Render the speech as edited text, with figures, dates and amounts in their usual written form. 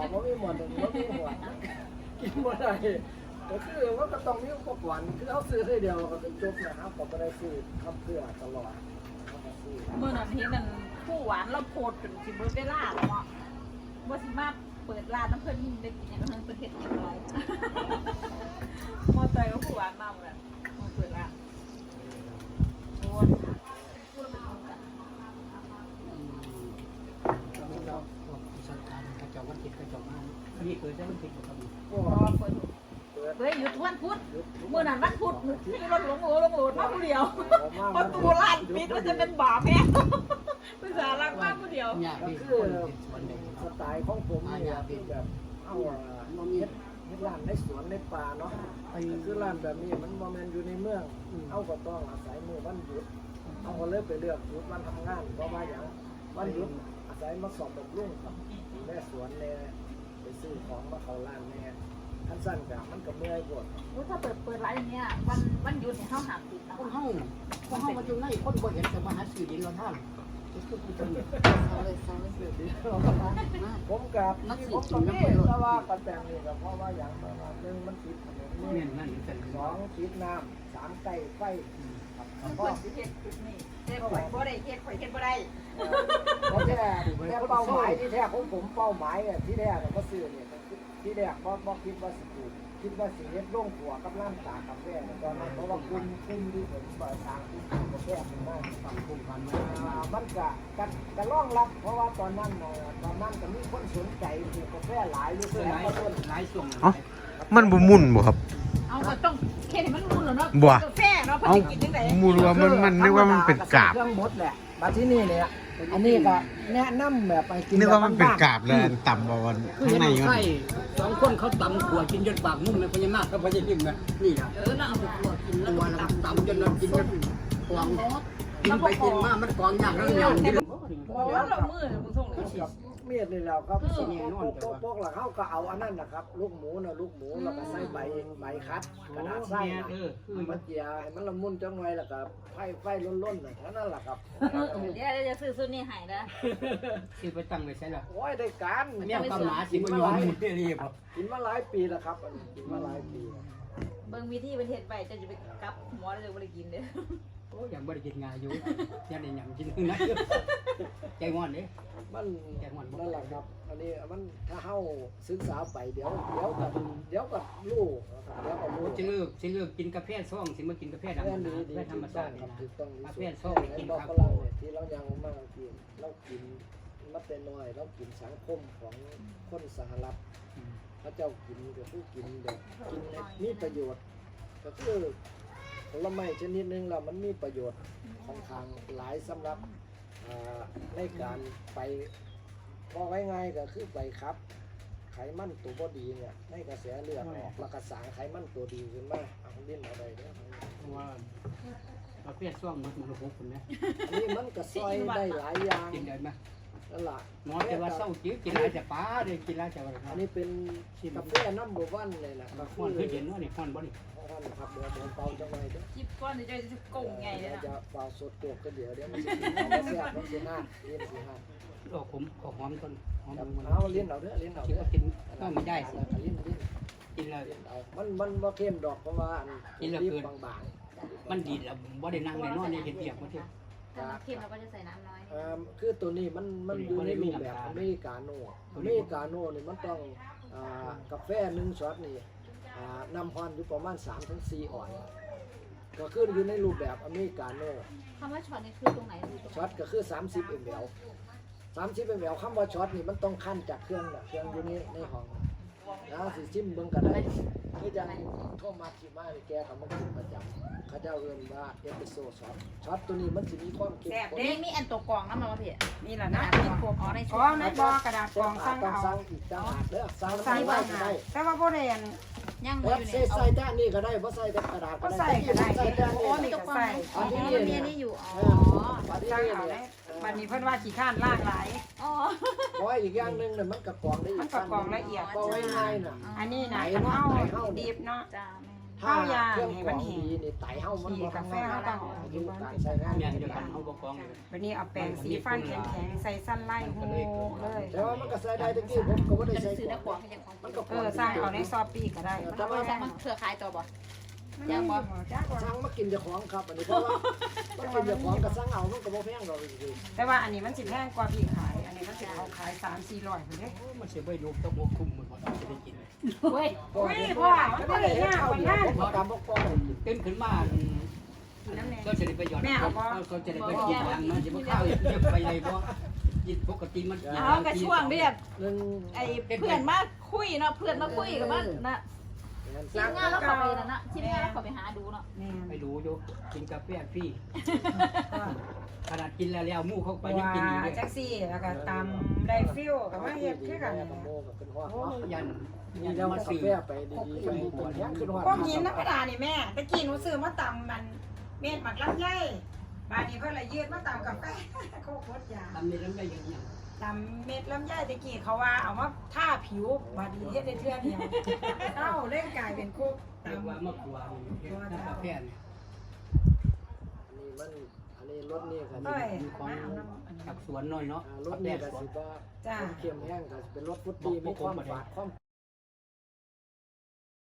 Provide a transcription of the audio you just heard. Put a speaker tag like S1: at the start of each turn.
S1: บ่มีหมดบ่มีหัวกินบ่ได้ก็คือว่าก็ต้องมีอุปกรณ์คือเขาซื้อได้เดียวก็จบนะครับก็บ่ได้ซื้อทำเพื่อตลอด
S2: เมื่อนั้นเห็นนั่นผู้หวานเราโพดจนสิเบิดเวลาแล้วเนาะบ่สิมาเปิดร้านน้ำเพิ่นได้กินอย่างนั้นเพิ่นเฮ็ดเรียบร้อยมอเตอร์ก็ผู้หวานมาหมดแล้วมาเปิดร้านโอ้ยพูดแล้วมันกัน
S3: เราสังการกระจกวันติดกระจกมานี่เคยได้มันติดกับมัน
S2: พอเปิดเฮ้ยหยุดวันพุธเมื่อนั้นวันพุธที่รถหลงโหมาผู้เดียวประตูร้านปิดมันจะเป็นบาปแม่ภาษาลักมากผู้เดียว
S3: เนี่ยพี่
S1: คือสไตล์ของผมเนี่ยเป็นแบบเอาเฮ็ดร้านในสวนในป่าเนาะคือร้านแบบนี้มันบ่แม่นอยู่ในเมืองเอาก็ต้องอาศัยมื้อวันหยุดเอาก็เลยไปเลือกหยุดวันทำงานเพราะว่าอย่างวันหยุดอาศัยมาสอบบำรุงกับแม่สวนแน่ไปซื้อของมาเข้าร้านแน่ท่านสั้นกับมันก็เมื่อยปวด
S2: ถ้าเปิดร้านอย่างเงี้ยวันหยุดเนี่ยเขาหาปิดนะ
S3: คนห้องมาอยู่ในคนบ่เห็นแต่มาหาสื่อดินเราท่าน
S1: ผมกับนี่แต่ว่ากันแต่งนี่ก็เพราะว่าอย่างประมาณนึงมันติดถนนนี่2ติดน้ำ3ใกล้ไฟ
S2: ก็สิเฮ็ดจุดนี้แต่ข่อยบ่ได้เฮ็ดข่อยเฮ็ดบ่ได้
S1: แต่เป้าหมายที่แท้ของผมเป้าหมายที่แท้ก็ซื้อเนี่ยที่แรกบ่คิดว่าสิปลูกคิดว่าสิเฮ็ดโรงครัวกับร้านตากาแฟตอนนั้นเพราะว่าคุณที่ผมเปิดทางที่กาแฟมันมากฝั่งคุมพันมันก็รองรับเพราะว่าตอนนั้นก็มีคนสนใจปลูกกาแฟหลายอยู่หลายช่วง
S4: มันบ่มุ่นบ่ครับ
S2: เอาก็ต้องแค่นี้มันมุ่นแล้วเนาะกาแฟเนาะเพิ่นกินจังได๋
S4: มุ่นว่ามันนึกว่ามันเป็นกาบ
S1: เครื่องหมดแหละบัดที่นี่เนี่ยอันนี้ก็แนะนำแบบไปกิน
S4: นึกว่ามันเป็นกาบแล้วต่ำบ่วันข้างในมัน
S3: ใช่2คนเขาตำขวดกินจนปากมุ่งเลยพญานาคกับพญานิ่มนะนี่นะ
S2: น่าเอาไปขวดกินแล้ว
S3: ตำจนเรากินจนกวางกินไปกินมามันกวางยากแล้วยำกิน
S2: ว่าเรามือมึงส่งเลย
S1: เมียดนี่แล้วครับพวกหลังเขาก็เอาอันนั้นนะครับลูกหมูแล้วก็ใส่ใบคัดกระดาษใส่มันเจียให้มันละมุนจังไว้แล้วก็ไฟล้นๆน่ะเท่านั้นแหละครับ
S2: เดี๋ยวจะซื้อซุดนี้ให้นะ
S3: ซื้อไปตั้งไว้ใช่หรอ
S1: โอ้ยได้การ
S3: เนี่ยความหนาสิมันยอมหมดเลยครับ
S1: กินมาหลายปีแล้วครับกินมาหลายปี
S2: เบิ่งวิธีประเทศไปจะไปกับหมอแล้วจะบ่ได้กินเด้อ
S3: โอ้ยังบ่ได้กินงาอยู่ยังได้หยังกินนะใจงอนเด้
S1: มันนั่นแหละครับอันนี้มันถ้าเฮาศึกษาไปเดี๋ยวกับลูกเดี๋ยวกับลูก
S3: สิเลิกกินกาแฟซ่องสิมากินกาแฟดำกาแฟธรรมชาตินี่นะกาแฟซ่องกินครับ
S1: ที่เรายังมากินเรากินมาแต่น้อยเรากินสังคมของคนสหรัฐพระเจ้ากินกับผู้กินแบบกินมีประโยชน์ก็คือผลไม้ชนิดนึงแล้วมันมีประโยชน์ค่อนข้างหลายสำหรับในการไปบอกง่ายๆก็คือไปครับไขมันตัวบดีเนี่ยในกระแสเลือดออกแล้วก็สร้างไขมันตัวดีขึ้นมาเอาเล่นอะไรเนี่ย
S3: ว่ากาแฟซ่องมันหกคนนะ
S1: นี่มันก็ซอยได้หลายอย่าง
S3: กินได้ไหม
S1: นั่นแหละ
S3: หมอแต่ว่าเศร้าจิ้วกินอะไรจะป้าเลยกินอะไรจะอะไร
S1: อันนี้เป็นกาแฟน้ำบัววันเลยนะ
S3: ควันคือเย็นว่านี่ควันบ่นี่
S1: ควันครับเดี๋ยวเป่าจังไงเด้อ
S2: จิบก้อนเดี๋ยวจะกงไงเลยนะ
S1: จะเป่าสดตัวก็เดี๋ยวมันจะแซ่บมันจะน่าเลี้ยนสิฮะ
S3: โอ้ผมขอหอมต้นหอม
S1: เอาเลี้ยนเอาเด้อเลี้ยนเอาเด้อ
S3: กินก็ไม่ได้สิ
S1: เลี้ยน
S3: กินแล้ว
S1: มันบ่เข้มดอกเพราะว่า
S3: กินแล้วเกินมันดีแล้วบ่ได้นั่งในนอนในเห็ดเปียกมาเถอะ
S2: ถ้าเค็มเราก็จะใส่น้ำน้อย
S1: คือตัวนี้มันอยู่ในรูปแบบอเมริกาโน่นี่มันต้องกาแฟ1ช็อตนี่น้ำฮ้อนอยู่ประมาณ 3-4 ออนซ์ก็คืออยู่ในรูปแบบอเมริกาโน่
S2: คำว่าช็อตนี่คือตรงไหน
S1: ช็อตก็คือ30 ml 30 ml คำว่าช็อตนี่มันต้องคั่นจากเครื่องอยู่ในห้องนะสิชิมเบิ่งกันได้คือจังโทมัสสิมาแกก็มากินประจำเขาเจ้าเอิ้นว่าเอสเปรสโซ่ช็อตตัวนี้มันสิมีความเข้มข้น
S2: มีอันตัวกรองนำมาพี่
S5: นี่ล่ะนะ
S2: อ๋อใน
S5: กระดาษกรองสั่งเอา
S1: สั่งอีกจังหากเด้อสั่งไว้ก็ได้
S5: แต่ว่าบ่ได้อัน
S2: ยัง
S1: บ่อยู่นี่ใส่แต่นี่ก็ได้บ่ใส่แต่กระดาษก็ได้
S5: ใส่แต่
S2: โอ้มีตัวกรองอ๋อมีนี่อยู่อ๋อ
S5: สั่งเอาได้บัดนี้เพิ่นว่าขี้ข้านล่างหลาย
S2: อ๋อ
S1: เพราะอีกอย่างนึงเนี่ยมันกระกรองได้อีก
S5: มันกระกรองละเอียด
S1: เพราะง่ายๆน่ะ
S5: อันนี้น่ะเฮาดิบเนาะ
S2: จ้า
S5: ข้าวยาง
S1: เครื่อง
S5: ให้
S1: ข
S5: มั
S1: อน ง
S5: แห้
S1: ดี
S5: ง
S1: นี่ไตเฮามัน
S5: สี
S1: บ่
S5: กาแฟ
S1: ทำงาน
S5: เราต้อง
S1: อายุการใช้งาน
S3: แม่นเดียวกันเอาบ่กองเลย
S5: วันนี้เอาแปรงสีฟันแข็งๆใส่สั้นไล่หูเลย
S1: แต่ว่ามันก็ใช้ได้ตะกี้ผมก็บ่ได้
S2: จะ
S1: ใช้
S2: ซื้อ
S1: ข
S2: ได้
S1: อง
S2: กว่าให้ยังของ
S1: มันก็
S5: สร้างเอาในซอปี้ก็ได้
S2: แต่ว่ามันเครือข่ายตัวบ่
S5: ยังบ่จ้าบ่
S1: สั่งมากินเจ้าของครับอันนี้เพราะว่ามันกินเจ้าของก็สั่งเอามันก็บ่แพงดอกจริง
S5: แต่ว่าอันนี้มันสิแพงกว่าพี่ขาย อันนี้มันสิเขาขาย3-400พุ่นเด้
S3: มันสิบ่ลูกตะบ่คุ้มมันบ่ได้กิน
S2: เว้ย
S1: ๆ
S5: อุ้ยพ่อมันบ่ได้ยากกว่านั้น
S1: บ่ตามบ่ปล่อยกิน
S3: ตื่นขึ้นมาก็จะได้ไปหยอดก็จะได้ไปกินยางมันจะบ่ข้าวเยอะไปเลยบ่กินปกติมัน
S2: เอากระช่วงเรียบ
S1: นึง
S2: ไอ้เพื่อนมาคุยเนาะเพื่อนมาคุยกับมันนะทีมงานแล้วเขาไปนั่นนะทีมงานแล้วเขาไปหาดูเนาะ
S5: แม่
S3: ไปดูอยู่กินกาแฟฟรีขนาดกินแล้วหมู่เขาไปยัง
S5: ว่า
S3: กินอยู่เลย
S5: จังซี่แล้วก็ตำได้ฟิลก็มาเฮ็ดคือกัน
S1: โมก็เป็นฮอด
S3: โอ้ยัน
S1: นี่แล้วกาแฟไปดีๆไปกินยังขึ้นฮอด
S5: พวกหินธรรมดานี่แม่ตะกี้หนูซื้อมาตำมันเม็ดหมักลำไยบาดนี้เพิ่นละยืดมาตำกาแฟโคตรยา
S3: ทำนี่แล้วได้ยังยัง
S5: ตำเม็ดลำไยตะกี้เขาว่าเอามาทาผิวบาดนี้เฮ็ดได้เทื่อเดียวเอ้าเล่นกลายเป็นคุก
S3: เรียก
S5: ตำ
S3: ว่ามะขวานน้ำกาแฟเนี่ย
S1: อันนี้รถนี่ก็
S5: เอ้ย
S3: มีของจากสวนน้อยเนาะ
S1: รถนี่ก็สิบ่เข้มแห้งก็เป็นรถฟุตตี้มีความฝาดความ